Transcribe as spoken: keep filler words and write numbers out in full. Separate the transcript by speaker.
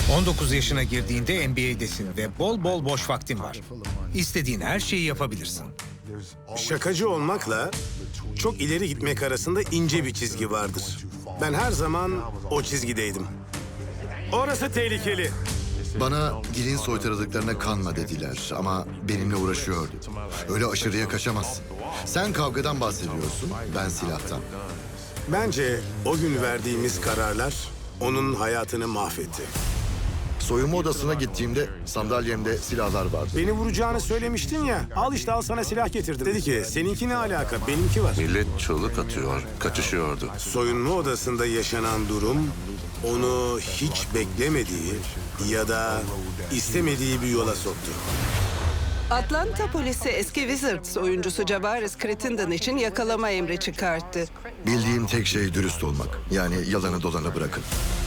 Speaker 1: on dokuz yaşına girdiğinde N B A'desin ve bol bol boş vaktin var. İstediğin her şeyi yapabilirsin.
Speaker 2: Şakacı olmakla çok ileri gitmek arasında ince bir çizgi vardır. Ben her zaman o çizgideydim. Orası tehlikeli.
Speaker 3: Bana dilin soytarılıklarına kanma dediler ama benimle uğraşıyordu. Öyle aşırıya kaçamazsın. Sen kavgadan bahsediyorsun, ben silahtan.
Speaker 2: Bence o gün verdiğimiz kararlar onun hayatını mahvetti.
Speaker 3: Soyunma odasına gittiğimde sandalyemde silahlar vardı.
Speaker 2: Beni vuracağını söylemiştin ya. Al işte, al sana silah getirdim. Dedi ki seninki ne alaka, benimki var.
Speaker 4: Millet çığlık atıyor, kaçışıyordu.
Speaker 2: Soyunma odasında yaşanan durum onu hiç beklemediği ya da istemediği bir yola soktu.
Speaker 5: Atlanta polisi eski Wizards oyuncusu Javaris Crittenden için yakalama emri çıkarttı.
Speaker 3: Bildiğim tek şey dürüst olmak. Yani yalanı dolanı bırakın.